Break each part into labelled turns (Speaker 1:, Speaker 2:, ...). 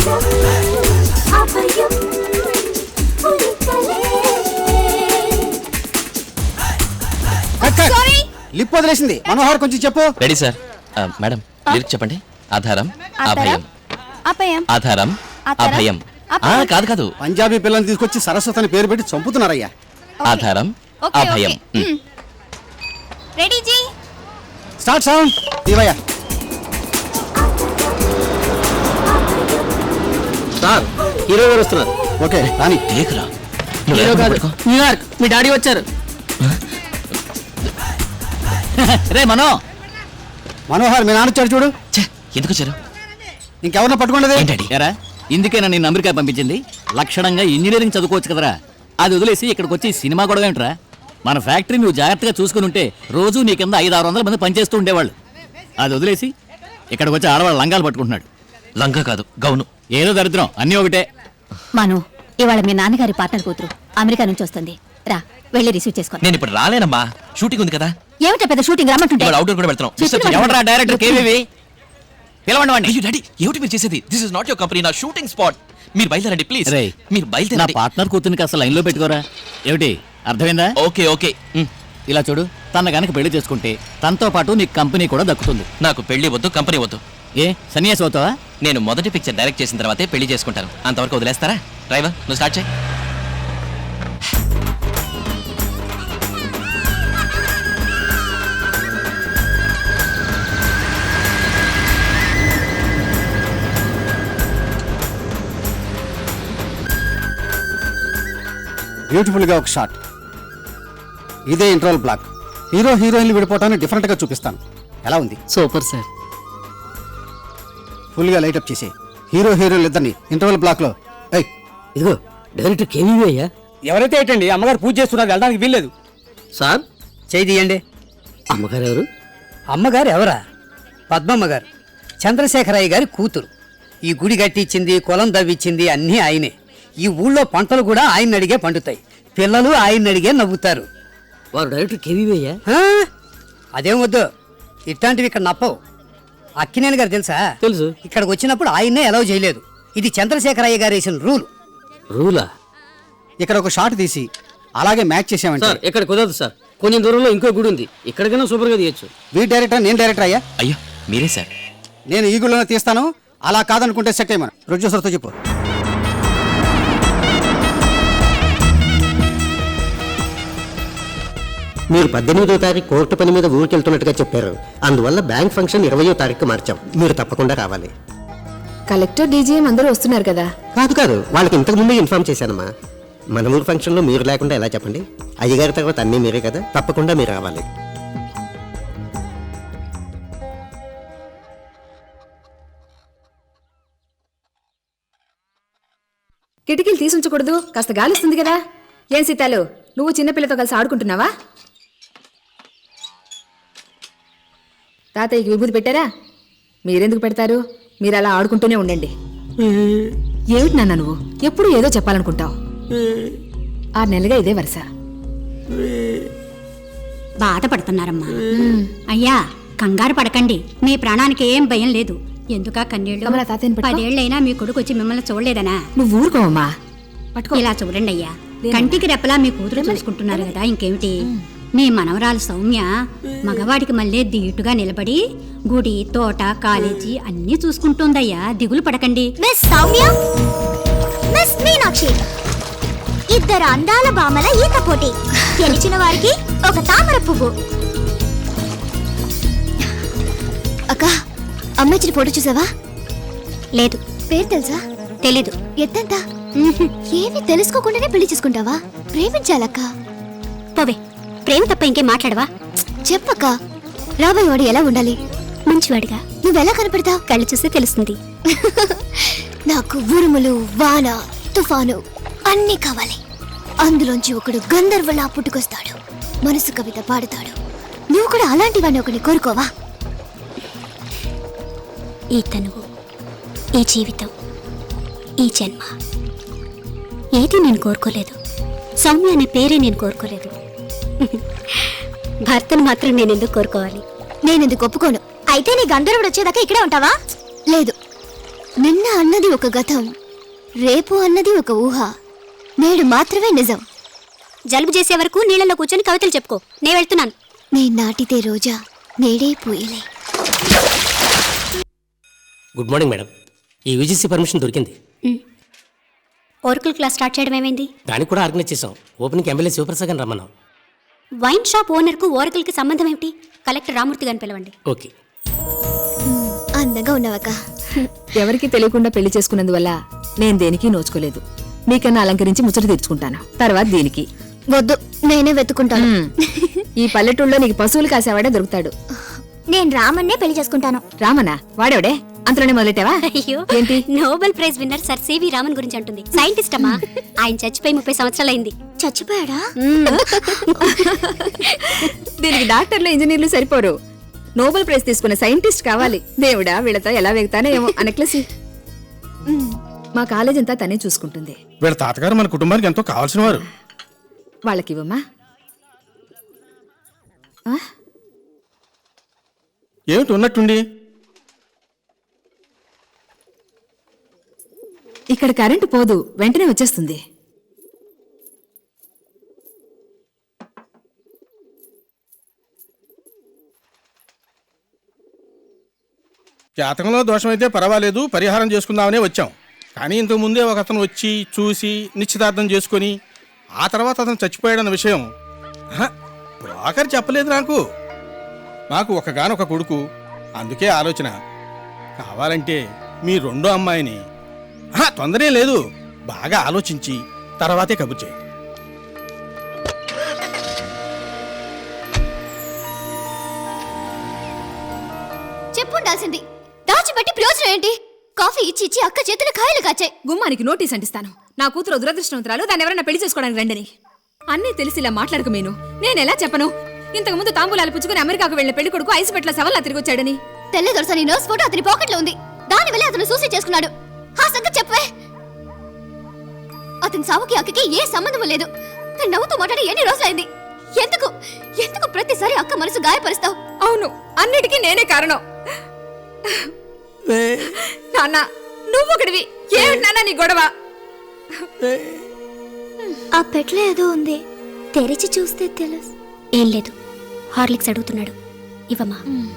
Speaker 1: Lip వదిలేసింది. మనోహర్ కొంచెం చెప్పు.
Speaker 2: Ready sir. మేడం లిరిక్ చెప్పండి. ఆధారం అభయం, ఆధారం అభయం. కాదు కాదు,
Speaker 1: పంజాబీ పిల్లల్ని తీసుకొచ్చి సరస్వతి అని పేరు పెట్టి చంపుతున్నారయ్యా.
Speaker 2: ఆధారం అభయం.
Speaker 3: రెడీ జీ,
Speaker 1: స్టార్ట్ సౌండ్. దీవయ్యా
Speaker 4: సార్, హీరో గారు వస్తున్నారు.
Speaker 1: ఓకే రాని.
Speaker 2: దేకురా.
Speaker 4: హీరో కాదు, న్యూయార్క్. మీ డాడీ వచ్చారు. రే మనోహర్, మీ నాన్న వచ్చాడు చూడు.
Speaker 2: ఎందుకు వచ్చారు?
Speaker 1: ఇంకెవరినో పట్టుకోండి.
Speaker 4: ఎరా, ఇందుకేనా నేను అమెరికా పంపించింది? లక్షణంగా ఇంజనీరింగ్ చదువుకోవచ్చు కదరా. అది వదిలేసి ఇక్కడికి వచ్చి సినిమా కూడా ఏంట్రా? మన ఫ్యాక్టరీ నువ్వు జాగ్రత్తగా చూసుకుని ఉంటే రోజు నీ కింద 500-600 మంది పనిచేస్తూ ఉండేవాళ్ళు. అది వదిలేసి ఇక్కడికి వచ్చి ఆడవాళ్ళు లంగాలు పట్టుకుంటున్నాడు.
Speaker 2: లంగా కాదు, గౌను.
Speaker 4: ఏదో దరిద్రం, అన్నీ ఒకటే.
Speaker 3: మను, ఇవాళ మీ నాన్నగారి పార్ట్నర్ కూతురు అమెరికా నుంచి వస్తుంది. రా, వెళ్ళి రిసీవ్ చేసుకోండి.
Speaker 2: నేను ఇప్పుడు రాలేనమ్మా, షూటింగ్ ఉంది కదా.
Speaker 3: ఏమిటా పెద్ద షూటింగ్? రమ్మంటుంటే
Speaker 2: అవుట్డోర్ కూడా వెళ్తాం.
Speaker 4: ఎవడరా డైరెక్టర్? కేవీవి పిలవండి వాడిని.
Speaker 2: అయ్యో డాడీ, ఏమిటి మీరు చేసేది? This is not your company, నా షూటింగ్ స్పాట్. మీరు బయలుదేరండి ప్లీజ్. మీరు
Speaker 4: నా
Speaker 2: బయలుదేరండి.
Speaker 4: పార్ట్నర్ కూతురికి అసలు లైన్లో పెట్టుకోరా. ఏమిటి అర్థమైందా?
Speaker 2: Okay okay.
Speaker 4: ఇలా చూడు, తన గనక పెళ్లి చేసుకుంటే తనతో పాటు నీకు కంపెనీ కూడా దక్కుతుంది.
Speaker 2: నాకు పెళ్లి వద్దు, కంపెనీ వద్దు.
Speaker 4: ఏ సన్యాసి అవుతావా?
Speaker 2: నేను మొదటి పిక్చర్ డైరెక్ట్ చేసిన తర్వాతే పెళ్లి చేసుకుంటాను. అంతవరకు వదిలేస్తారా? డ్రైవర్, నువ్వు స్టార్ట్ చేయి.
Speaker 1: బ్యూటిఫుల్ గా ఒక షాట్. ఇదే ఇంటర్వల్ బ్లాక్. హీరో హీరోయిన్లు విడిపోవటాన్ని డిఫరెంట్ గా చూపిస్తాను. ఎలా ఉంది?
Speaker 4: Super sir.
Speaker 1: ఫుల్ గా లైట్ అప్ చేసి హీరో హీరోయిన్లు ఇద్దరిని ఇంటర్వల్ బ్లాక్ లో.
Speaker 4: ఇదిగో డైరెక్టర్ కేవీవి అయ్యా.
Speaker 5: ఎవరైతే ఏంటండి, అమ్మగారు పూజ చేస్తున్నారు, వెళ్ళడానికి వీల్లేదు.
Speaker 4: సార్
Speaker 5: చేయి తీయండి.
Speaker 4: అమ్మగారు ఎవరు?
Speaker 5: అమ్మగారు ఎవరా? పద్మమ్మ గారు, చంద్రశేఖరయ్య గారి కూతురు. ఈ గుడి కట్టించింది, కులం దవ్విచ్చింది అన్నీ ఆయనే. ఈ ఊళ్ళో పంటలు కూడా ఆయన అడిగే పండుతాయి. పిల్లలు ఆయన అడిగే నవ్వుతారు.
Speaker 4: వారు డైరెక్టర్ కేవీవి అయ్యా.
Speaker 5: అదేం వద్దు, ఇట్లాంటివి ఇక్కడ నప్పవు. అక్కినేని గారు తెలుసా?
Speaker 4: తెలుసు.
Speaker 5: ఇక్కడికి వచ్చినప్పుడు ఆయన్నే అలౌ చేయలేదు. ఇది చంద్రశేఖరయ్య గారు వేసిన రూల్.
Speaker 4: రూలా?
Speaker 1: ఇక్కడ ఒక షాట్ తీసి అలాగే మ్యాచ్ చేసామంటే.
Speaker 4: సార్ ఇక్కడ కుదరదు సార్, కొంచెం దూరంలో ఇంకో గుడి ఉంది, ఇక్కడికైనా సూపర్ గా తీయచ్చు.
Speaker 1: వీ డైరెక్టర్, నేను డైరెక్టర్ అయ్యా.
Speaker 2: అయ్యో మీరే సార్.
Speaker 1: నేను ఈ గుడిలోనే తీస్తాను. అలా కాదనుకుంటే సెట్ అయ్యమను. ప్రొడ్యూసర్తో చెప్పు.
Speaker 6: మీరు 18వ తారీఖు కోర్టు పని మీద ఊరికి వెళ్తున్నట్టుగా చెప్పారు. అందువల్ల బ్యాంక్ ఫంక్షన్ 20వ తారీఖు మార్చాం. మీరు తప్పకుండా రావాలి.
Speaker 7: కలెక్టర్, డీజీఎం అందరూ వస్తున్నారు కదా?
Speaker 6: కాదు, వాళ్ళకి ఇంతకు ముందే ఇన్ఫార్మ్ చేశానమ్మా. మన ఊరు ఫంక్షన్లో మీరు లేకుండా ఎలా చెప్పండి? అయ్యగారి తర్వాత అన్నీ మీరే కదా, తప్పకుండా మీరు రావాలి.
Speaker 7: కిటికీలు తీసుంచకూడదు, కాస్త గాలిస్తుంది కదా. ఏం సీతాలు, నువ్వు చిన్నపిల్లతో కలిసి ఆడుకుంటున్నావా? తాతయ్యకి విభూతి పెట్టారా? మీరెందుకు పెడతారు? మీరు అలా ఆడుకుంటూనే ఉండండి. ఏమిటి నాన్న నువ్వు ఎప్పుడు ఏదో చెప్పాలనుకుంటావు? 6 నెలలుగా ఇదే వరుస.
Speaker 3: బాధపడుతున్నారమ్మా. అయ్యా కంగారు పడకండి, మీ ప్రాణానికి ఏం భయం లేదు. ఎందుకా కన్నీళ్ళు? 10 ఏళ్ళైనా మీ కొడుకు వచ్చి మిమ్మల్ని చూడలేదనా?
Speaker 7: నువ్వు ఊరుకోవమ్మా. పట్టుకో.
Speaker 3: ఇలా చూడండి అయ్యా, కంటికి రెప్పలా మీ కూతురు చూసుకుంటున్నారు కదా, ఇంకేమిటి. మీ మనవరాలు సౌమ్య మగవాడికి మళ్ళీ ధీటుగా నిలబడి గుడి, తోట, కాలేజీ అన్నీ చూసుకుంటుందయ్యా, దిగులు పడకండి.
Speaker 8: మిస్ సౌమ్య, మిస్ మీనాక్షి, ఇద్దరు అందాల బామల ఈత పోటీ. గెలిచిన వారికి ఒక తామర పువ్వు. అక్క, అమ్మాయిచిన ఫోటో చూసావా? లేదు. పేరు తెలుసా? తెలీదు. ఎత్తంతా? ఏమీ తెలుసుకోకుండానే పెళ్లి చేసుకుంటావా? ప్రేమించాలక్క. పోవే, ప్రేమ తప్ప ఇంకేం మాట్లాడవా? చెప్పక్క. రాబోయేవాడు ఎలా ఉండాలి? మంచివాడిగా. నువ్వెలా కనపడతావు? కళ్ళు చూస్తే తెలుస్తుంది. నాకు ఉరుములు, వాన, తుఫాను అన్నీ కావాలి. అందులోంచి ఒకడు గంధర్వలా పుట్టుకొస్తాడు, మనసు కవిత పాడుతాడు. నువ్వు కూడా అలాంటి వాడిని ఒకటి కోరుకోవా? ఈ తనువు, ఈ జీవితం, ఈ జన్మ ఏది నేను కోరుకోలేదు. సౌమ్య అనే పేరే నేను కోరుకోలేదు. భర్తను మాత్రం నేను ఎందుకు కోరుకోవాలి? నేను ఎందుకు ఒప్పుకోను. అయితే నీ గంధర్వుడు వచ్చేదాకా ఇక్కడే ఉంటావా? లేదు, నిన్న అన్నది ఒక గతం, రేపు అన్నది ఒక ఊహ, నేడు మాత్రమే నిజం.
Speaker 9: జలుబు చేసే వరకు నీళ్ళలో కూర్చొని కవితలు చెప్పుకో, నేను వెళ్తున్నాను.
Speaker 8: నే నాటితే రోజా నేడే పూయలే.
Speaker 10: Good morning madam. ఈ యూజీసీ పర్మిషన్ దొరికింది.
Speaker 9: ఓరకల్ క్లాస్ స్టార్ట్ చేయడం ఏమైంది?
Speaker 10: దానికి కూడా ఆర్గనైజ్ చేసాం. ఓపెనింగ్ ఎమ్మెల్యే శివప్రసాద్ గారిని రమ్మన్నాం.
Speaker 9: వైన్ షాప్ ఓనర్కు ఓరకల్కి సంబంధం ఏమిటి? కలెక్టర్ రామూర్తి గారిని పిలవండి.
Speaker 10: ఓకే.
Speaker 8: అందంగా ఉన్నావక్క.
Speaker 7: ఎవరికి తెలియకుండా పెళ్లి చేసుకున్నందువల్ల నేను దేనికి నోచుకోలేదు. మీకన్నా అలంకరించి ముచ్చట తీర్చుకుంటాను. తర్వాత దీనికి
Speaker 8: వద్దు, నేనే వెతుకుంటాను.
Speaker 7: ఈ పల్లెటూళ్ళలో నీకు పశువులు కాసేవాడే దొరుకుతాడు.
Speaker 8: నేను రామన్నే పెళ్లి చేసుకుంటాను.
Speaker 7: రామనా? వాడేవాడే? అంతలోనే మొదలెట్టావా?
Speaker 9: అయ్యో,
Speaker 7: ఏంటి?
Speaker 9: Nobel prize winner sir CV Raman గురించి అంటుంది. సైంటిస్ట్ అమ్మా. ఆయన చచ్చిపోయి 30 సంవత్సరాలైంది.
Speaker 8: చచ్చిపోయాడా?
Speaker 7: దీనికి డాక్టర్లు ఇంజనీర్లు సరిపోరు. నోబెల్ ప్రైజ్ తీసుకున్న సైంటిస్ట్ కావాలి. దేవుడా, వీళ్ళతో ఎలా వేగుతానో ఏమో. అనక్లసి మా కాలేజ్ అంతా తనే చూసుకుంటుంది.
Speaker 1: వీళ్ళ తాతగారు మన కుటుంబానికి ఎంతో కావాల్సిన వారు.
Speaker 7: వాళ్ళకి ఇవ్వమ్మా.
Speaker 1: ఏమిటి ఉన్నట్టుండి?
Speaker 7: ఇక్కడ కరెంటు పోదు, వెంటనే వచ్చేస్తుంది.
Speaker 1: జాతకంలో దోషమైతే పర్వాలేదు, పరిహారం చేసుకుందామనే వచ్చాం. కానీ ఇంతకు ముందే ఒక అతను వచ్చి చూసి నిశ్చితార్థం చేసుకొని ఆ తర్వాత అతను చచ్చిపోయాడన్న విషయం బ్రోకర్ చెప్పలేదు నాకు. నాకు ఒకగానొక కొడుకు, అందుకే ఆలోచన. కావాలంటే మీ రెండో అమ్మాయిని తొందరే లేదు, బాగా ఆలోచించి తర్వాతే కబుర్ చేయండి.
Speaker 8: చెప్పుండాల్సింది. దాచిపెట్టి ప్రయోజనం ఏంటి? కాఫీ ఇచ్చి ఇచ్చి అక్క చేతులు కాయలు కాచాయి.
Speaker 7: గుమ్మానికి నోటీస్ అంటిస్తాను. నా కూతురు దురదృష్టవంతురాలు, దాన్ని ఎవరైనా పెళ్లి చేసుకోవడానికి రండని. అన్నీ తెలిసి ఇలా మాట్లాడక మీను. నేనెలా చెప్పను? ఇంతకు ముందు తాంబూలాలు పుచ్చుకుని అమెరికాకు వెళ్లిన పెళ్లి కొడుకు ఐసు పెట్ల సవల్లా తిరిగి వచ్చాడని.
Speaker 8: తెల్లదొరసని నర్స్ ఫోటో అతని పాకెట్లో ఉంది. దాని వల్ల అతను సూసైడ్ చేసుకున్నాడు. ఆ సంగతి చెప్పవే. అతని సావుకి అక్కకి ఏ సంబంధం లేదు. తను నవ్వుతూ మాట్లాడి ఎన్ని రోజులైంది. ఎందుకు ఎందుకు ప్రతిసారి అక్క మనసు గాయపరుస్తావు?
Speaker 7: అవును, అన్నిటికీ నేనే కారణం. నాన్న, నువ్వొకడివి. ఏమిటి నాన్న నీ గొడవ?
Speaker 8: ఆ పెట్లో ఏదో ఉంది, తెరిచి చూస్తే తెలుసు.
Speaker 9: ఏం లేదు, హార్లిక్స్ అడుగుతున్నాడు. ఇవ్వమ్మా.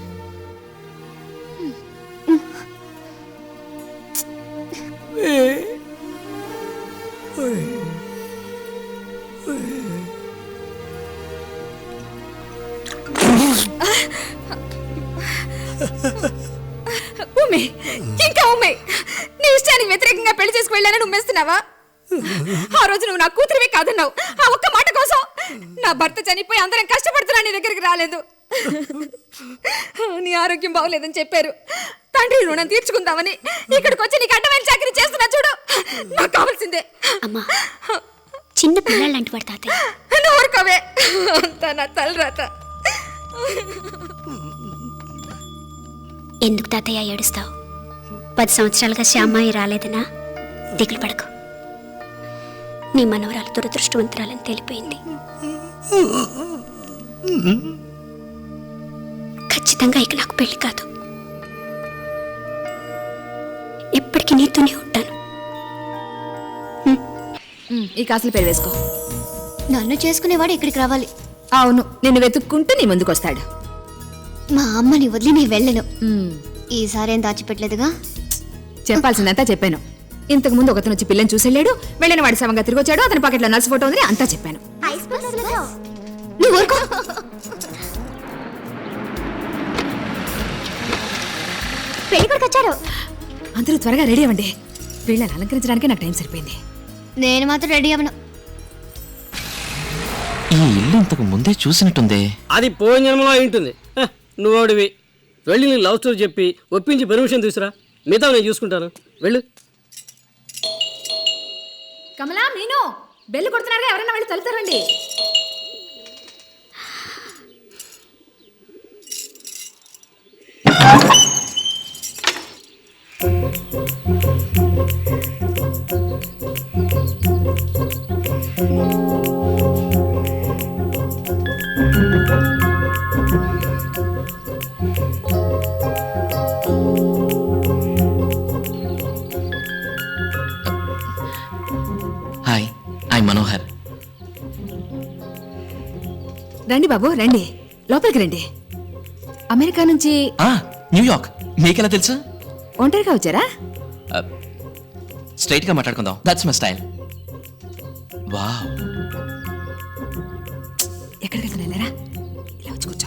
Speaker 7: ఉమ్మే, ఇంకా ఉమ్మే. నీ ఇష్టానికి వ్యతిరేకంగా పెళ్లి చేసుకు వెళ్ళానని ఉమ్మేస్తున్నావా? ఆ రోజు నువ్వు నా కూతురివే కాదన్నావు. ఆ ఒక్క మాట కోసం నా భర్త చనిపోయి అందరం కష్టపడుతున్నా నీ దగ్గరికి రాలేదు. నీ ఆరోగ్యం బాగోలేదని చెప్పారు. తండ్రి రుణం తీర్చుకుందామని ఇక్కడికి వచ్చి నీకు అడ్డమైన చాకరీ చేస్తున్నా చూడు. నాకు కావాల్సిందే.
Speaker 9: అమ్మా, చిన్న పిల్లలాంటి వాడు తాతయ్య.
Speaker 7: నువ్వు ఊరుకోవే. అంతా నా తలరాత.
Speaker 9: ఎందుకు తాతయ్య ఏడుస్తావు? 10 సంవత్సరాలుగా శ్యామ్మాయి రాలేదనా? దిగులు పడకు. నీ మనవరాలు దురదృష్టవంతురాలని తెలిపోయింది. ఖచ్చితంగా ఇక నాకు పెళ్లి కాదు. ఎప్పటికీ నీతోనే ఉంటాను.
Speaker 7: ఈ కాసులు పెళ్లి వేసుకో.
Speaker 8: నన్ను చేసుకునేవాడు ఇక్కడికి రావాలి.
Speaker 7: అవును, నిన్ను వెతుక్కుంటూ నీ ముందుకు వస్తాడు.
Speaker 8: మా అమ్మని వదిలి నేను వెళ్ళను. ఈసారి ఏం దాచిపెట్టలేదుగా.
Speaker 7: చెప్పాల్సిందంతా చెప్పాను. ఇంతకు ముందు ఒకతను వచ్చి పిల్లని చూసెళ్ళాడు, వెళ్ళిన వాడి సమంగా తిరిగి వచ్చాడు, అతని పాకెట్లో నర్సు ఫోటో ఉందని అంతా చెప్పాను.
Speaker 8: నువ్వు ఊరుకో. పెళ్లి కొడుకు వచ్చారు.
Speaker 7: అందరూ త్వరగా రెడీ అవ్వండి. వీళ్ళని అలంకరించడానికి నాకు టైం సరిపోయింది.
Speaker 8: నేను మాత్రం రెడీ అవ్వను.
Speaker 2: ఈ ఇల్లు ఇంతకు ముందే చూసినట్టుందే.
Speaker 10: అది పోయిన జన్మలో అయి ఉంటుంది. నువ్వు ఓడివి. వెళ్ళి నీ లవ్ స్టోరీ చెప్పి ఒప్పించి పర్మిషన్ తీసురా. మిగతా నేను చూసుకుంటాను. వెళ్ళు.
Speaker 7: కమలా, మీను, బెల్లు కొడుతున్నారుగా, ఎవరైనా వెళ్ళి తలుతారండి. రండి బాబు రండి, లోపలికి రండి. అమెరికా నుంచి
Speaker 2: న్యూయార్క్. మీకెలా తెలుసు?
Speaker 7: ఒంటరిగా వచ్చారా?
Speaker 2: స్ట్రైట్ గా మాట్లాడుకుందాం. That's my style. వావ్.
Speaker 7: ఎక్కడికి వెళ్తున్నారా? ఇలా వచ్చి కూర్చో.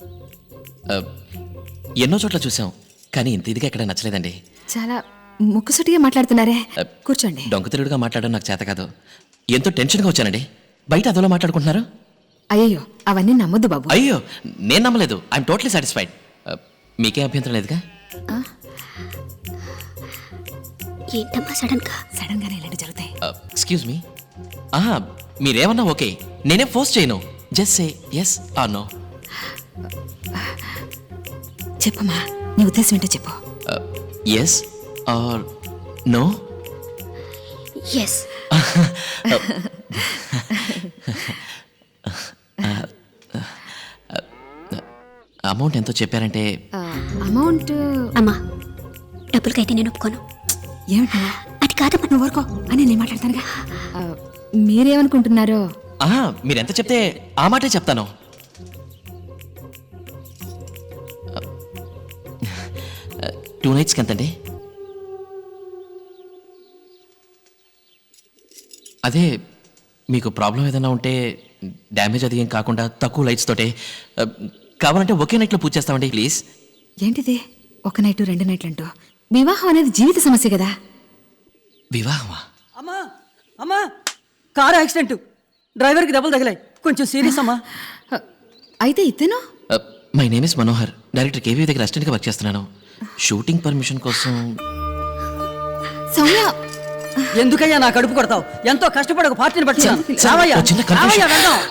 Speaker 2: ఎన్నో చోట్ల చూసాం, కానీ ఇంత ఇదిగా ఎక్కడ నచ్చలేదండి.
Speaker 7: చాలా ముక్కుసూటిగా మాట్లాడుతున్నారే. కూర్చోండి.
Speaker 2: దొంగతిరుడుగా మాట్లాడడం నాకు చేత కాదు. ఎంతో టెన్షన్గా వచ్చానండి. బయట అదోలా మాట్లాడుకుంటున్నారు.
Speaker 7: అయ్యో అవన్నీ నమ్మొద్దు బాబు.
Speaker 2: అయ్యో నేను నమ్మలేదు. I'm totally satisfied. మీకేం అభ్యంతరం లేదుగా?
Speaker 9: ఏంటమ్మా
Speaker 7: సడన్ గానే ఇలాంటి జరుగుతాయి.
Speaker 2: Excuse me. మీరేమన్నా ఓకే, నేనే ఫోర్స్ చేయను. Just say yes or no.
Speaker 7: చెప్పమ్మా, నీ ఉద్దేశం ఏంటో చెప్పు.
Speaker 2: Yes or no.
Speaker 9: Yes.
Speaker 2: Amount ఎంతో చెప్పారంటే?
Speaker 7: అమౌంట్
Speaker 9: అమ్మా, డబ్బులకైతే నేను ఒప్పుకోను.
Speaker 7: ఏమిటా?
Speaker 9: అది కాదమ్మా.
Speaker 7: నువ్వు ఊరుకో అని నేను మాట్లాడతానుగా. మీరేమనుకుంటున్నారో?
Speaker 2: మీరెంత చెప్తే ఆ మాటే చెప్తాను. టూ నైట్స్కి ఎంతండి? అదే మీకు ప్రాబ్లం ఏదైనా ఉంటే డ్యామేజ్ అది ఏం కాకుండా తక్కువ లైట్స్ తోటే కావాలంటే ఒకే నైట్లో పూజ చేస్తామండి ప్లీజ్.
Speaker 7: ఏంటిది 1 నైట్ 2 నైట్లు అంటూ? వివాహం అనేది జీవిత సమస్య కదా.
Speaker 2: వివాహమా?
Speaker 5: అమ్మా అమ్మా, కారు యాక్సిడెంట్, డ్రైవర్కి దెబ్బలు తగిలాయి, కొంచెం సీరియస్ అమ్మా.
Speaker 7: అయితే ఇతను?
Speaker 2: My name is Manohar. Director KV దగ్గర అసిస్టెంట్గా వర్క్ చేస్తున్నాను. షూటింగ్ పర్మిషన్ కోసం.
Speaker 7: సౌమ్య,
Speaker 5: ఎందుకయ్యా నా కడుపు కొడతావు? ఎంతో కష్టపడి ఒక పార్టీని పట్టుకున్నాను.
Speaker 2: చిన్న confusion.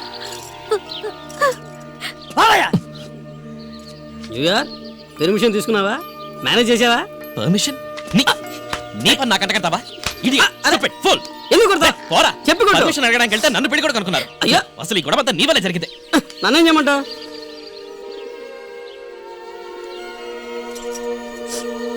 Speaker 10: పెర్మిషన్ తీసుకున్నావా? మేనేజ్ చేసావా?
Speaker 2: పర్మిషన్? నీ పని నాకంట కడతావా?
Speaker 10: ఎందుకు కొడతా?
Speaker 2: పోరా.
Speaker 10: చెప్పి కొట్టు.
Speaker 2: పర్మిషన్ అడగడానికి వెళ్తే నన్ను పెళ్లి కూడా కనుక్కున్నారు.
Speaker 10: అయ్యా,
Speaker 2: అసలు ఈ గొడవ అంతా నీ వల్లే జరిగింది.
Speaker 10: నన్నేం చేయమంటావు?